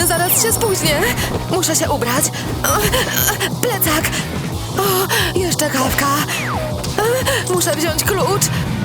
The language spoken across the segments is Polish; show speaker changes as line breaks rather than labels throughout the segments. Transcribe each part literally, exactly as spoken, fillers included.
Zaraz się spóźnię. Muszę się ubrać. Plecak. O, jeszcze kawka. Muszę wziąć klucz.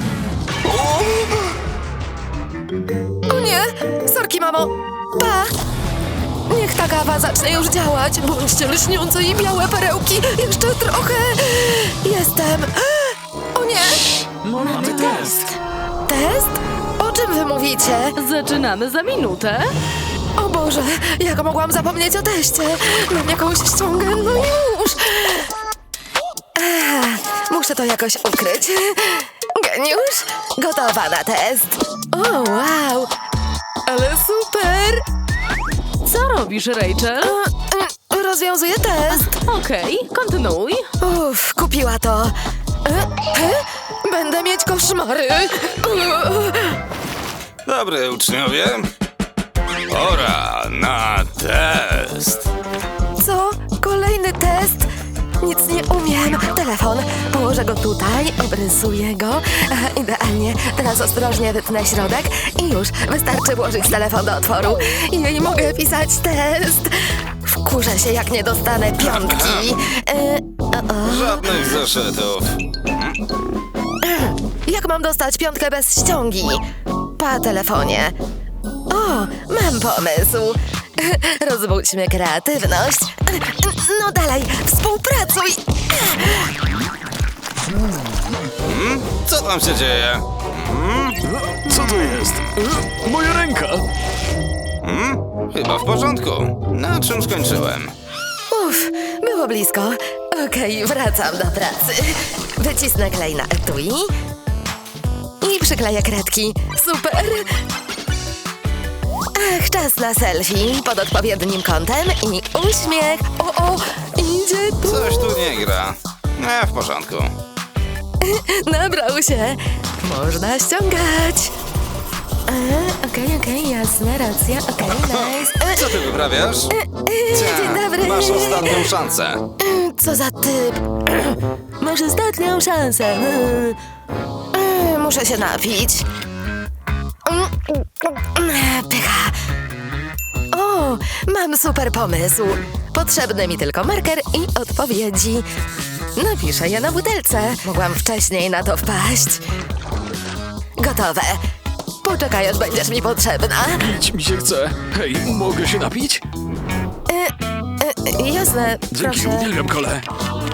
O nie! Sorki, mamo. Pa! Niech ta kawa zacznie już działać. Bądźcie lśniące i białe perełki. Jeszcze trochę. Jestem. O nie!
Mamy test.
Test? O czym wy mówicie?
Zaczynamy za minutę.
O Boże, jak mogłam zapomnieć o teście? Mam jakąś ściągę, no już. Ech, muszę to jakoś ukryć. Geniusz, gotowa na test. O, wow, ale super.
Co robisz, Rachel?
E, Rozwiązuję test.
Okej, kontynuuj.
Uff, kupiła to. E, e, Będę mieć koszmary.
Dobry, uczniowie. Pora na test.
Co? Kolejny test? Nic nie umiem. Telefon. Położę go tutaj, obrysuję go. Aha, idealnie. Teraz ostrożnie wytnę środek i już. Wystarczy włożyć telefon do otworu. I mogę pisać test. Wkurzę się, jak nie dostanę piątki. E, o, o.
Żadnych zeszytów.
Jak mam dostać piątkę bez ściągi? Pa telefonie. O, mam pomysł. Rozbudźmy kreatywność. No dalej, współpracuj.
Hmm? Co tam się dzieje? Hmm?
Co to jest? E, Moja ręka!
Hmm? Chyba w porządku. Na czym skończyłem?
Uff, było blisko. Okej, wracam do pracy. Wycisnę klej na etui i przykleję kredki. Super! Ach, czas na selfie pod odpowiednim kątem i uśmiech. O, o, idzie tu.
Coś tu nie gra. Nie, w porządku.
Nabrał się. Można ściągać. E, Okej, okej, jasne, racja. Okej, nice. E,
Co ty wyprawiasz?
e, Dzień dobry.
Masz ostatnią szansę.
E, Co za typ. Masz ostatnią szansę. E, e, Muszę się napić. Pycha. O, mam super pomysł. Potrzebny mi tylko marker i odpowiedzi. Napiszę je na butelce. Mogłam wcześniej na to wpaść. Gotowe. Poczekaj, aż będziesz mi potrzebna.
Pić mi się chce. Hej, mogę się napić?
E, jasne,
Dzięki,
proszę.
uwielbiam kole.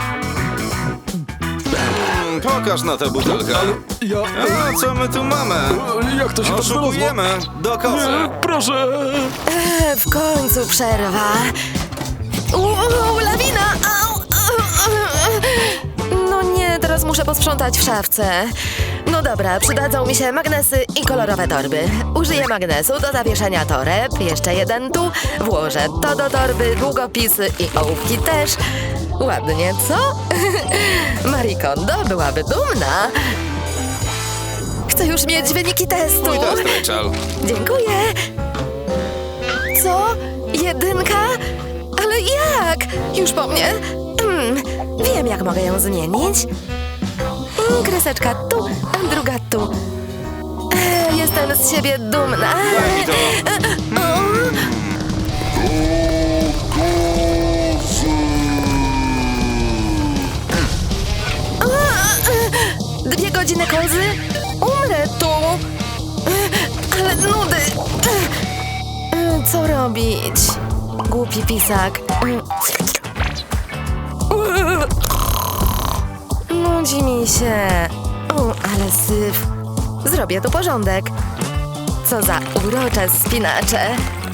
Hmm, pokaż na tę butelkę.
Ja...
A co my tu mamy?
e, Jak to się tak znalazło?
Oszukujemy. Do kozy.
Nie, proszę!
E, w końcu przerwa. Uuu, lawina! Au, au, au. No nie, teraz muszę posprzątać w szafce. No dobra, przydadzą mi się magnesy i kolorowe torby. Użyję magnesu do zawieszenia toreb, jeszcze jeden tu. Włożę to do torby, długopisy i ołówki też. Ładnie, co? Marie Kondo byłaby dumna. Chcę już mieć wyniki testu.
Mój test, Rachel.
Dziękuję. Co? Jedynka? Ale jak? Już po mnie? Hmm, wiem, jak mogę ją zmienić. Mm, Kreseczka tu, a druga tu. E, jestem z siebie dumna.
Daj mi to.
E, o. A, e, Dwie godziny kozy? Umrę tu. E, Ale nudy. E, e, Co robić? Głupi pisak. Nudzi mi się. O, ale syf. Zrobię tu porządek. Co za urocze spinacze.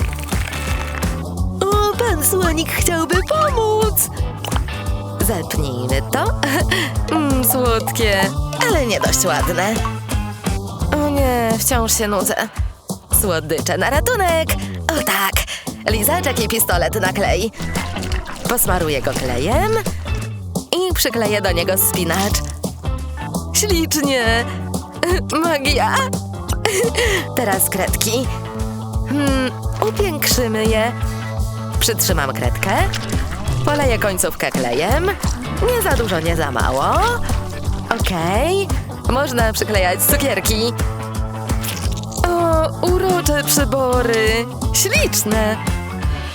O, pan słonik chciałby pomóc. Zepnijmy to. Mm, słodkie, ale nie dość ładne. O nie, wciąż się nudzę. Słodycze na ratunek. O tak, lizaczek i pistolet na klej. Posmaruję go klejem i przykleję do niego spinacz. Ślicznie. Magia. Teraz kredki. Hmm, upiększymy je. Przytrzymam kredkę. Poleję końcówkę klejem. Nie za dużo, nie za mało. Okej. Można przyklejać cukierki. O, urocze przybory. Śliczne.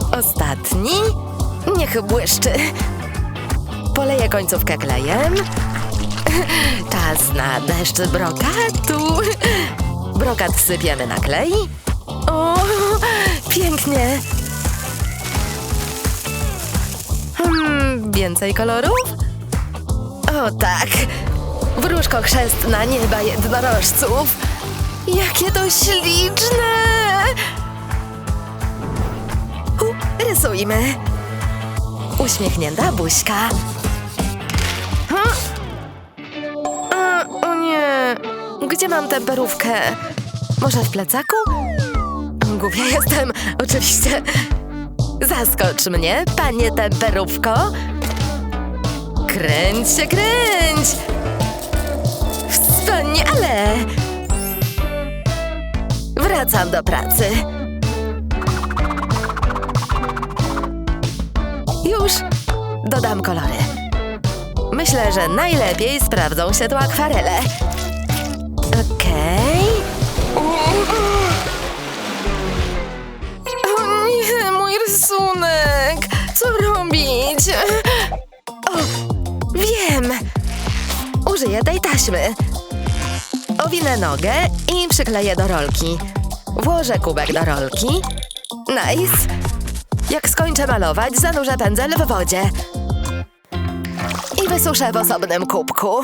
Ostatni. Niech błyszczy. Poleję końcówkę klejem. Czas na deszcz brokatu. Brokat sypiemy na klej. O, pięknie. Hmm, więcej kolorów? O tak. Wróżko chrzestna nieba jednorożców. Jakie to śliczne. U, rysujmy. Uśmiechnięta buźka. Hm? A, o nie. Gdzie mam temperówkę? Może w plecaku? Głupia jestem, oczywiście. Zaskocz mnie, panie temperówko. Kręć się, kręć. Wspaniale. Wracam do pracy. Już dodam kolory. Myślę, że najlepiej sprawdzą się tu akwarele. Okej. O nie, mój rysunek. Co robić? O, wiem. Użyję tej taśmy. Owinę nogę i przykleję do rolki. Włożę kubek do rolki. Nice. Jak skończę malować, zanurzę pędzel w wodzie. I wysuszę w osobnym kubku.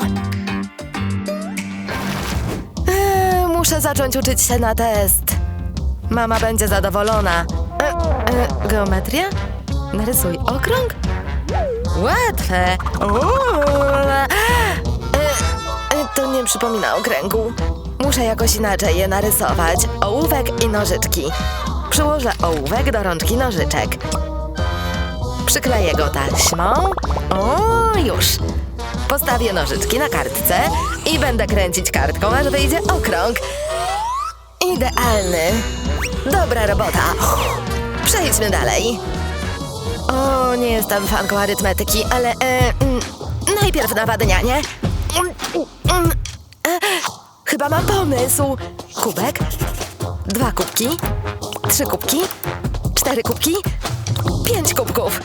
Eee, muszę zacząć uczyć się na test. Mama będzie zadowolona. E, e, geometria? Narysuj okrąg? Łatwe. Ula. E, e, to nie przypomina okręgu. Muszę jakoś inaczej je narysować. Ołówek i nożyczki. Przyłożę ołówek do rączki nożyczek. Przykleję go taśmą. O, już. Postawię nożyczki na kartce i będę kręcić kartką, aż wyjdzie okrąg. Idealny. Dobra robota. Przejdźmy dalej. O, nie jestem fanką arytmetyki, ale e, mm, najpierw nawadnianie. Mm, mm, e, chyba mam pomysł. Kubek. Dwa kubki. Trzy kubki. Cztery kubki. Pięć kubków.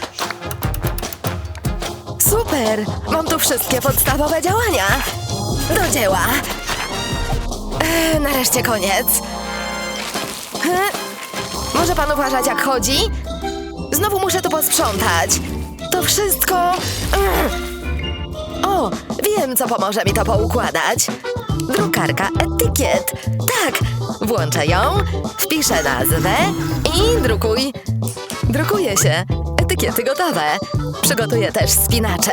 Super! Mam tu wszystkie podstawowe działania. Do dzieła. E, nareszcie koniec. E, może pan uważać, jak chodzi? Znowu muszę tu posprzątać. To wszystko... Mm. O, wiem, co pomoże mi to poukładać. Drukarka etykiet. Tak, włączę ją, wpiszę nazwę i drukuj. Drukuje się. Etykiety gotowe. Przygotuję też spinacze.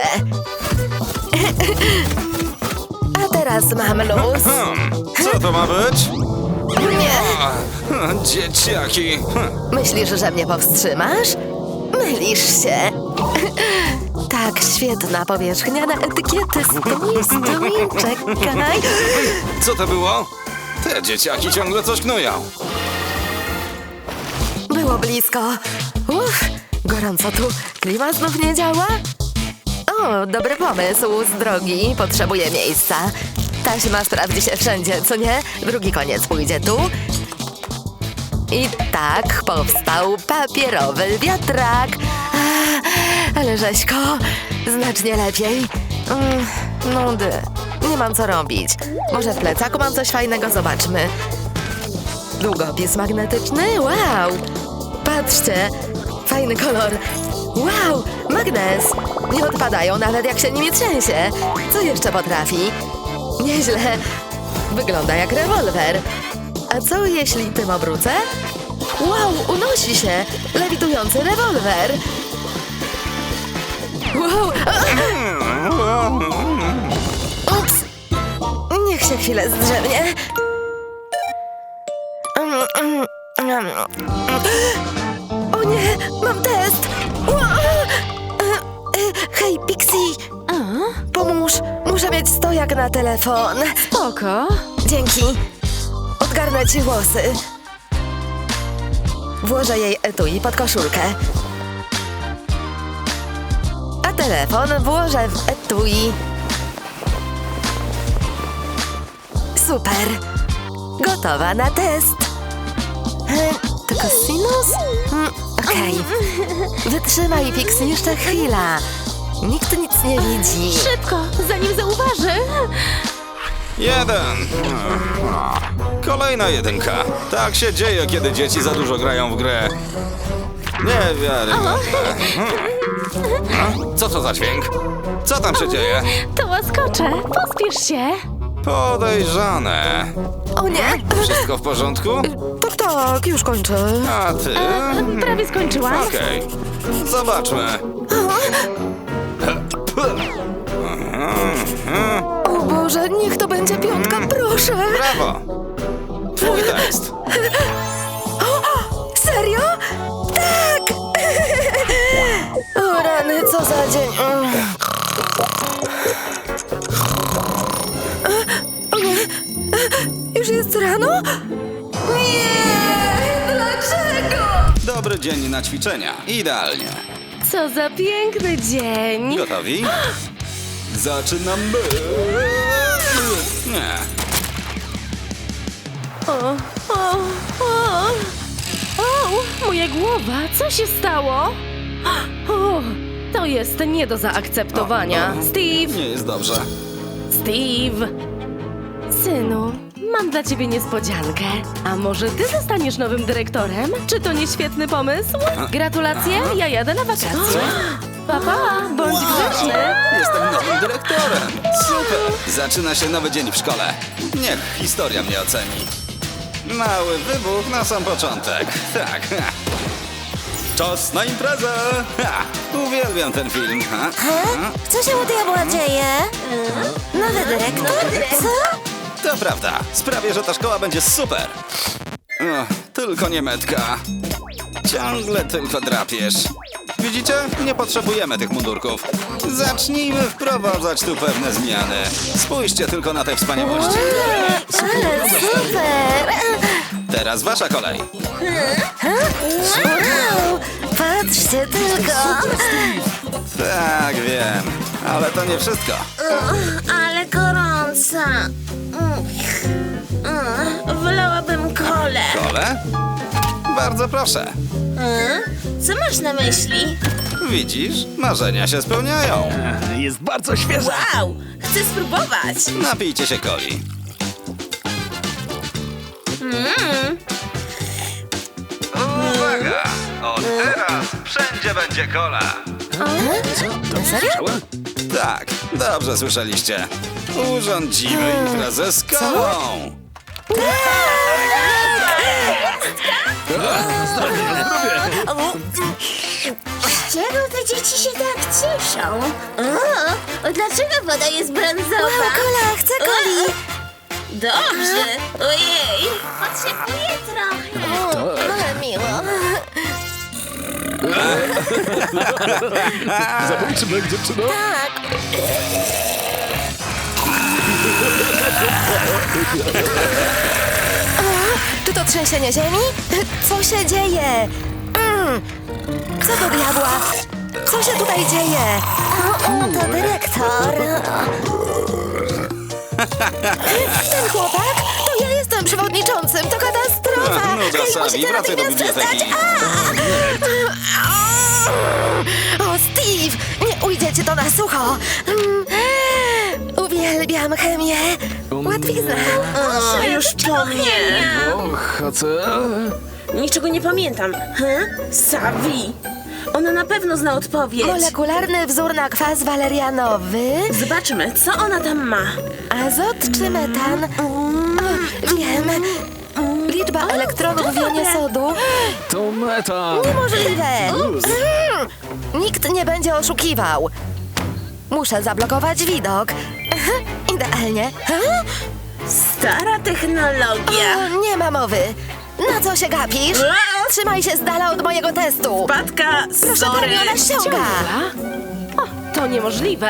A teraz mam luz.
Hmm, co to ma być?
Nie.
O, dzieciaki. Hm.
Myślisz, że mnie powstrzymasz? Mylisz się. Tak, świetna powierzchnia na etykiety. Stój, stój, czekaj.
Co to było? Te dzieciaki ciągle coś knują.
Było blisko. Uff, gorąco tu. Klima znów nie działa? O, dobry pomysł z drogi. Potrzebuję miejsca. Taśma sprawdzi się wszędzie, co nie? Drugi koniec pójdzie tu. I tak powstał papierowy wiatrak. A, ale rzeźko, znacznie lepiej. Mm, nudy. Nie mam co robić. Może w plecaku mam coś fajnego? Zobaczmy. Długopis magnetyczny? Wow! Patrzcie, fajny kolor. Wow, magnes. Nie odpadają nawet jak się nimi trzęsie. Co jeszcze potrafi? Nieźle. Wygląda jak rewolwer. A co jeśli tym obrócę? Wow, unosi się. Lewitujący rewolwer. Wow. Ups. Niech się chwilę zdrzemnie. O nie, mam test. Hej, Pixie. Pomóż, muszę mieć stojak na telefon.
Spoko.
Dzięki. Odgarnę ci włosy. Włożę jej etui pod koszulkę. A telefon włożę w etui. Super. Gotowa na test. E, to kosinus? Hmm, Okej. Wytrzymaj, Pix, jeszcze chwila. Nikt nic nie widzi.
Szybko, zanim zauważy.
Jeden. Kolejna jedynka. Tak się dzieje, kiedy dzieci za dużo grają w grę. Niewiarygodne. Hmm. Co to za dźwięk? Co tam się dzieje?
To łaskocze, pospiesz się.
Podejrzane.
O nie!
Wszystko w porządku?
Tak, tak, już kończę.
A ty?
Prawie skończyłam.
Okej. Zobaczmy.
O Boże, niech to będzie piątka, proszę!
Brawo. Twój tekst.
Serio? Tak! O rany, co za dzień. O nie, już jest rano? Nie, dlaczego?
Dobry dzień na ćwiczenia. Idealnie.
Co za piękny dzień.
Gotowi? Zaczynamy. Nie.
O, o, o. O, moja głowa, co się stało? O, to jest nie do zaakceptowania.
O, o.
Steve,
Nie jest dobrze.
Steve. Synu, mam dla ciebie niespodziankę. A może ty zostaniesz nowym dyrektorem? Czy to nie świetny pomysł? Gratulacje, ja jadę na wakacje. Papa, bądź grzeczny.
Jestem nowym dyrektorem. Super. Zaczyna się nowy dzień w szkole. Niech historia mnie oceni. Mały wybuch na sam początek. Tak. ha. Czas na imprezę. Ha. Uwielbiam ten film. Ha. Ha.
Co się u diabła dzieje? Nowy dyrektor? Co?
To prawda. Sprawię, że ta szkoła będzie super. O, tylko nie metka. Ciągle tylko drapiesz. Widzicie? Nie potrzebujemy tych mundurków. Zacznijmy wprowadzać tu pewne zmiany. Spójrzcie tylko na te wspaniałości.
Ale super!
Teraz wasza kolej.
Wow! Patrzcie tylko!
Tak, wiem. Ale to nie wszystko.
Ale gorąca. Wolałabym kolę.
Kole? Bardzo proszę.
Co masz na myśli?
Widzisz? Marzenia się spełniają.
Jest bardzo świeża.
Wow, chcę spróbować.
Napijcie się coli. Uwaga! Od teraz wszędzie będzie kola.
Serio?
Tak, dobrze słyszeliście. Urządzimy imprezę z kolą.
Z czego te dzieci się tak cieszą? O, dlaczego woda jest brązowa?
Kola, chcę coli!
Dobrze. Ojej, potrzebuję trochę.
Ale miło.
Zabójczy mek, dziewczyno.
Czy to trzęsienie ziemi? Co się dzieje? Mm. Co do diabła? Co się tutaj dzieje? O, o, to dyrektor. Ten chłopak? To ja jestem przewodniczącym. To katastrofa.
No,
Hej,
Savi,
musicie
wracaj do
natychmiast
biblioteki.
przestać. A! O, Steve! Nie ujdzie ci to na sucho. Mm. Uwielbiam chemię. Łatwizna.
O, już po mnie.
Och, a co?
Niczego nie pamiętam. Hm? Savi. Ona na pewno zna odpowiedź.
Molekularny wzór na kwas walerianowy.
Zobaczmy, co ona tam ma.
Azot czy metan? O, wiem. Liczba elektronów w jonie sodu.
To metan.
Niemożliwe. Mm. Nikt nie będzie oszukiwał. Muszę zablokować widok. Idealnie.
Stara technologia.
O, nie ma mowy. Na co się gapisz? Trzymaj się z dala od mojego testu.
Patka,
Proszę
sorry.
pani, ona ściąga.
Ciągła? O, to niemożliwe.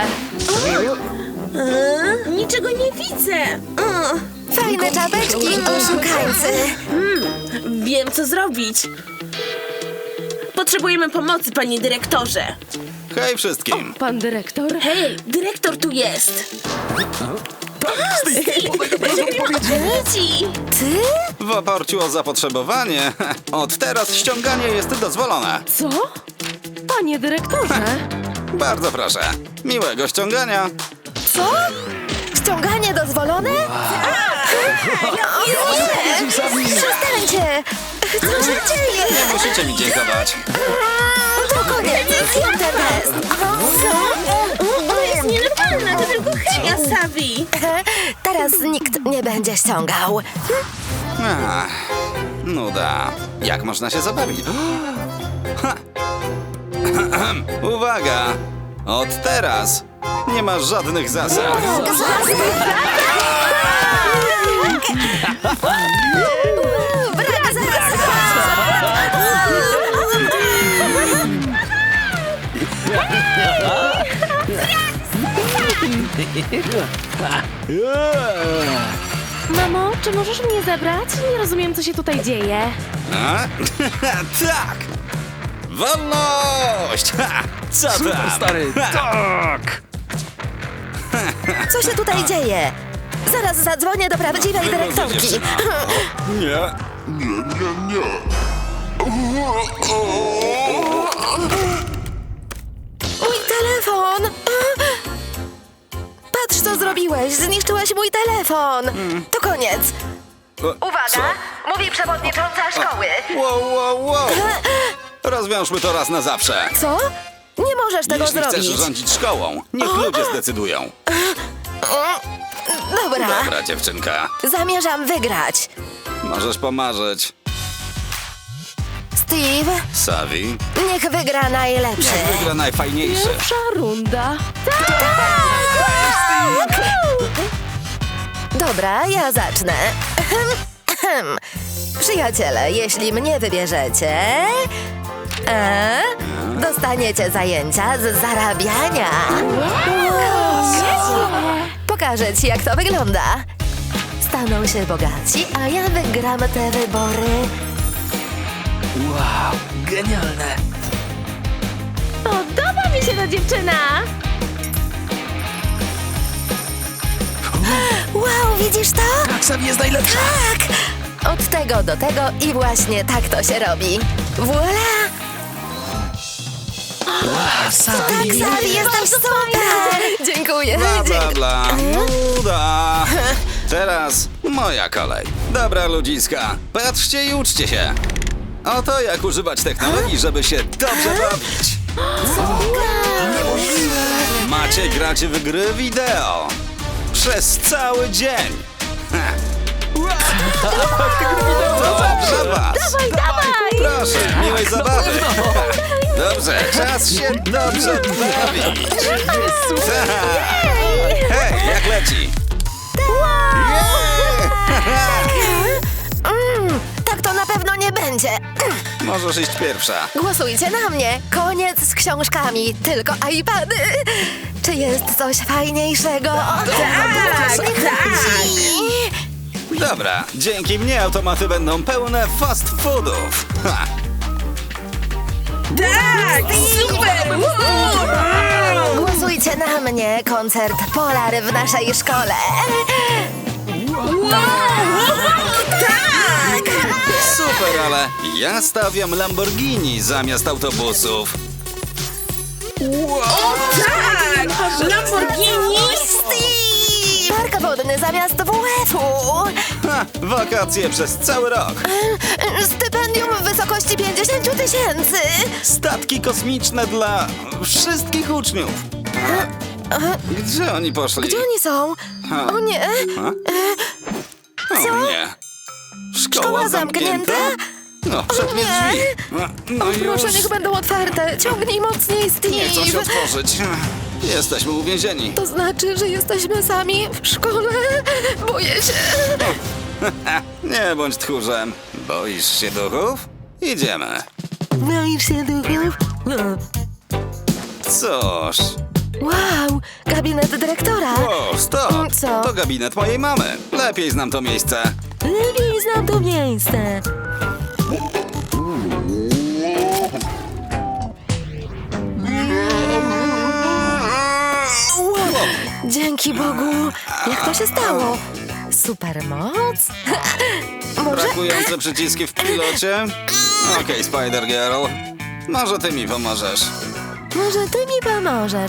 E, Niczego nie widzę. E,
Fajne czapeczki, oszukańcy.
Wiem, co zrobić. Potrzebujemy pomocy, panie dyrektorze.
Hej wszystkim.
Pan dyrektor?
Hej, dyrektor tu jest.
Tak,
Dzieci!
Ty?
W oparciu o zapotrzebowanie, od teraz ściąganie jest dozwolone.
Co? Panie dyrektorze!
Bardzo proszę. Miłego ściągania.
Co? Ściąganie dozwolone? Przestańcie! Co się dzieje?
Nie musicie mi dziękować.
To koniec, zjem ten test.
To jest nienormalne, to tylko chemia, Savi!
Teraz nikt nie będzie ściągał.
Ach, nuda. Jak można się zabawić? Ha. Uwaga! Od teraz nie ma żadnych zasad.
Brak zasad!
Mamo, czy możesz mnie zebrać? Nie rozumiem, co się tutaj dzieje.
A? Tak! Wolność! Ha! Co
Super,
tam?
stary,
Ha!
tak!
Co się tutaj dzieje? Zaraz zadzwonię do prawdziwej
Wygląda
dyrektorki.
dziewczyna. Nie.
Mój telefon! Patrz, co zrobiłeś! Zniszczyłeś mój telefon! To koniec!
O,
Uwaga! Mówi przewodnicząca szkoły!
Co? Wow, wow, wow! Rozwiążmy to raz na zawsze.
Co? Nie możesz tego
Jeśli
zrobić!
chcesz rządzić szkołą, niech ludzie zdecydują.
Dobra,
Dobra, dziewczynka.
zamierzam wygrać.
Możesz pomarzyć.
Steve,
Savi,
niech wygra najlepszy.
wygra najfajniejszy.
Pierwsza runda.
Dobra, ja zacznę. Przyjaciele, jeśli mnie wybierzecie, e, dostaniecie zajęcia z zarabiania. Pokażę ci, jak to wygląda. Staną się bogaci, a ja wygram te wybory.
Wow, genialne!
Podoba mi się ta dziewczyna!
Wow, widzisz to?
Tak, Savi jest najlepsza!
Tak! Od tego do tego i właśnie tak to się robi. Voila!
Wow, Savi!
Tak, Savi, jesteś super! Dziękuję.
Bla, bla,
dziękuję.
bla. Nuda. Teraz moja kolej. Dobra, ludziska, patrzcie i uczcie się. Oto jak używać technologii, żeby się dobrze bawić. Macie grać w gry wideo. Przez cały dzień. Ha. Dobrze was.
Dawaj, dawaj!
Proszę, miłej zabawy. Dobrze, czas się dobrze bawić. Tak. Hej, jak leci?
Mm, tak to na pewno nie będzie.
Możesz iść pierwsza.
Głosujcie na mnie. Koniec z książkami, tylko iPady. Czy jest coś fajniejszego? Tak, tak.
Dobra, dzięki mnie automaty będą pełne fast foodów. Ha.
Super!
Głosujcie na mnie. Koncert Polar w naszej szkole.
Super, ale ja stawiam Lamborghini zamiast autobusów.
Tak! Lamborghini!
Steve! Park wodny zamiast W F-u.
Ha, wakacje przez cały rok.
Stypendium w wysokości pięćdziesiąt tysięcy.
Statki kosmiczne dla wszystkich uczniów. Gdzie oni poszli?
Gdzie oni są?
Ha.
O nie.
Ha? O nie. Szkoła,
Szkoła
zamknięta?
zamknięta?
No, przednie
nie.
drzwi. No, no już.
Proszę, niech będą otwarte. Ciągnij mocniej,
Nie chcą się
Steve.
otworzyć. Jesteśmy uwięzieni.
To znaczy, że jesteśmy sami w szkole? Boję się.
Nie bądź tchórzem. Boisz się duchów? Idziemy.
Boisz się duchów?
Cóż.
Wow, gabinet dyrektora.
O, stop.
Co?
To gabinet mojej mamy. Lepiej znam to miejsce.
Lepiej znam to miejsce. Wow, dzięki Bogu. Jak to się stało? Supermoc? Może...
Brakujące przyciski w pilocie? Okej, Spider-Girl. Może ty mi pomożesz.
Może ty mi pomożesz?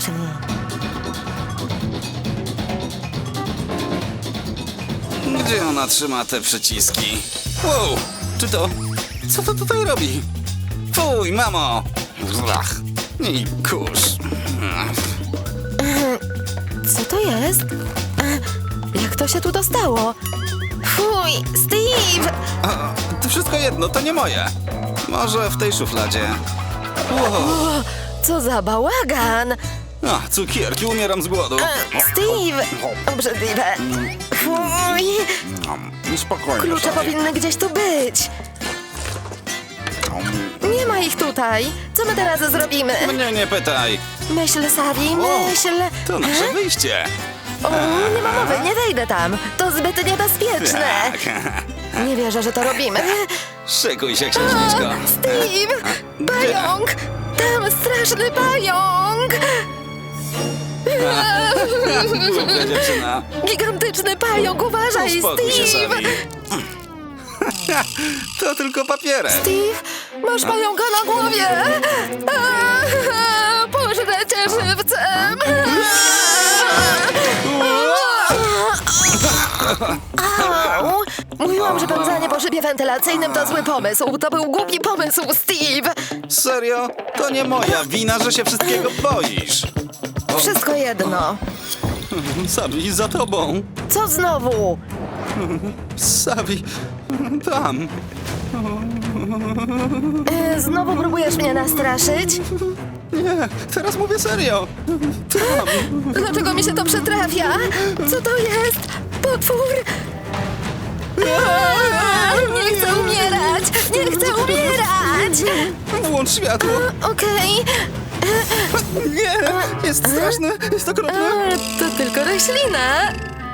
Gdzie ona trzyma te przyciski? Wow, czy to... Co to tutaj robi? Fuj, mamo! Ach, i kurz.
Co to jest? E, Jak to się tu dostało? Fuj, Steve!
A, to wszystko jedno, to nie moje. Może w tej szufladzie. Wow.
O, co za bałagan!
A, cukierki, umieram z głodu.
E, Steve! Obrzydliwe. Fuj!
Spokojnie.
Klucze powinny gdzieś tu być. Nie ma ich tutaj. Co my teraz zrobimy?
Mnie nie pytaj.
Myśl, Savi,
O,
myśl.
To nasze
E?
wyjście.
O, nie ma mowy, nie wejdę tam. To zbyt niebezpieczne.
Tak.
Nie wierzę, że to robimy.
Szykuj się, księżniczko.
Steve! Pająk! Tam straszny pająk!
Głupia dziewczyna.
Gigantyczny pająk, uważaj,
Uspokój się,
Steve!
Savi. To tylko papierek.
Steve, masz pająka na głowie! Aaa, Pożrę cię żywcem! Au! Mówiłam, że pełzanie po szybie wentylacyjnym to zły pomysł. To był głupi pomysł, Steve!
Serio? To nie moja wina, że się wszystkiego boisz.
Wszystko jedno.
Savi, za tobą.
Co znowu?
Savi, tam.
E, Znowu próbujesz mnie nastraszyć?
Nie, teraz mówię serio. Tam.
Dlaczego mi się to przytrafia? Co to jest? Potwór? Aaa, Nie chcę umierać! Nie chcę umierać!
Włącz światło.
Okej.
Nie, jest straszne, jest okropne.
A, To tylko roślina.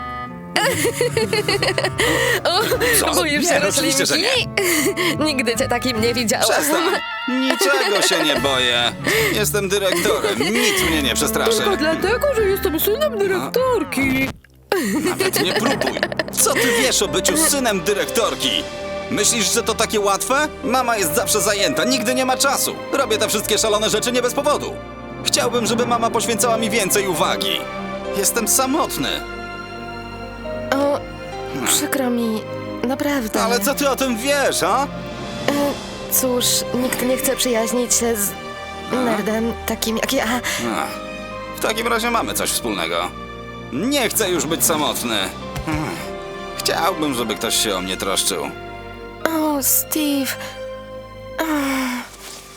Co?
O, boisz
Nie,
się
oczywiście, że
roślinki? Nigdy cię takim nie widziałam.
Przestań. Niczego się nie boję. Jestem dyrektorem, nic mnie nie przestraszy.
Dlatego, że jestem synem dyrektorki.
Nawet nie próbuj. Co ty wiesz o byciu synem dyrektorki? Myślisz, że to takie łatwe? Mama jest zawsze zajęta, nigdy nie ma czasu. Robię te wszystkie szalone rzeczy nie bez powodu. Chciałbym, żeby mama poświęcała mi więcej uwagi. Jestem samotny.
O, przykro mi, naprawdę.
Ale co ty o tym wiesz, a?
E, Cóż, nikt nie chce przyjaźnić się z nerdem takim jak ja.
Ach, w takim razie mamy coś wspólnego. Nie chcę już być samotny. Hmm. Chciałbym, żeby ktoś się o mnie troszczył.
O, Steve. Ach.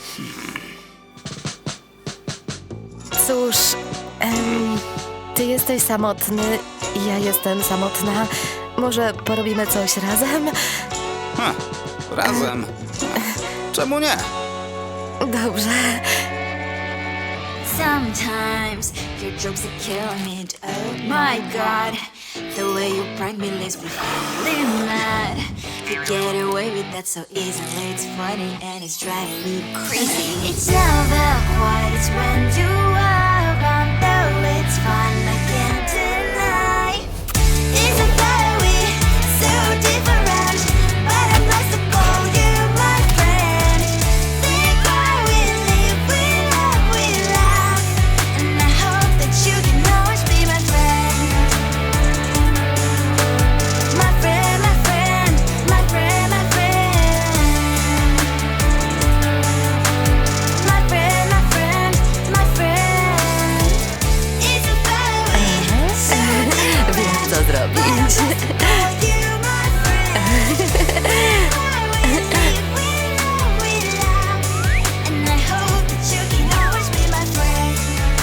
Cóż, em, ty jesteś samotny, ja jestem samotna. Może porobimy coś razem?
Ha, razem. Czemu nie?
Dobrze.
Sometimes your jokes are killing me. Oh my god, the way you prank me leaves me feeling mad. You get away with that so easily. It's funny and it's driving me crazy. It's never quiet. It's when you are around, though it's fun. I can't deny. It's a very so different, but I'm lost to call you my friend. Think why we live, we love, we laugh, and I hope that you can always be my friend. My friend, my friend, my friend, my friend. My friend, my friend, my friend. It's a very so
Wiem, co zrobić.
call you my friend. Why we live, we love, we laugh, and I hope that you can always be my friend.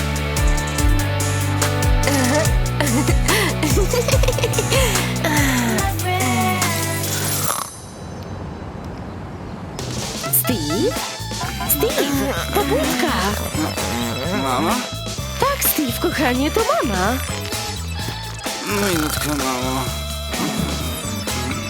My friend.
Steve? Steve, pobudka.
Mama?
Tak, Steve, kochanie, to mama.
Minutkę, mamo.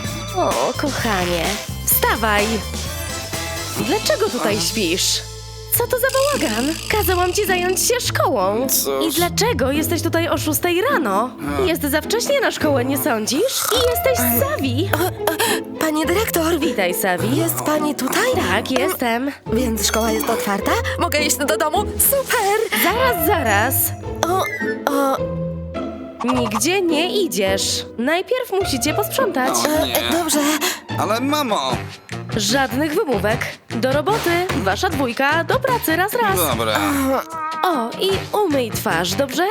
O, kochanie, wstawaj. Dlaczego tutaj śpisz? Co to za bałagan? Kazałam ci zająć się szkołą.
Cóż.
I dlaczego jesteś tutaj o szóstej rano? Jest za wcześnie na szkołę, nie sądzisz? I jesteś z Savi.
Pani dyrektor,
Witaj, Savi.
jest pani tutaj?
Tak, jestem.
Więc szkoła jest otwarta? Mogę iść do domu? Super!
Zaraz, zaraz.
O, o,
Nigdzie nie idziesz. Najpierw musicie posprzątać.
O nie.
e, dobrze.
Ale mamo!
Żadnych wymówek. Do roboty. Wasza dwójka. Do pracy raz, raz.
Dobra.
O, i umyj twarz, dobrze?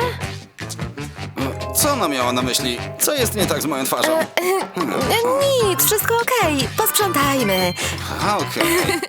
Co ona miała na myśli? Co jest nie tak z moją twarzą?
E, nic, wszystko okej. Posprzątajmy.
A, okej.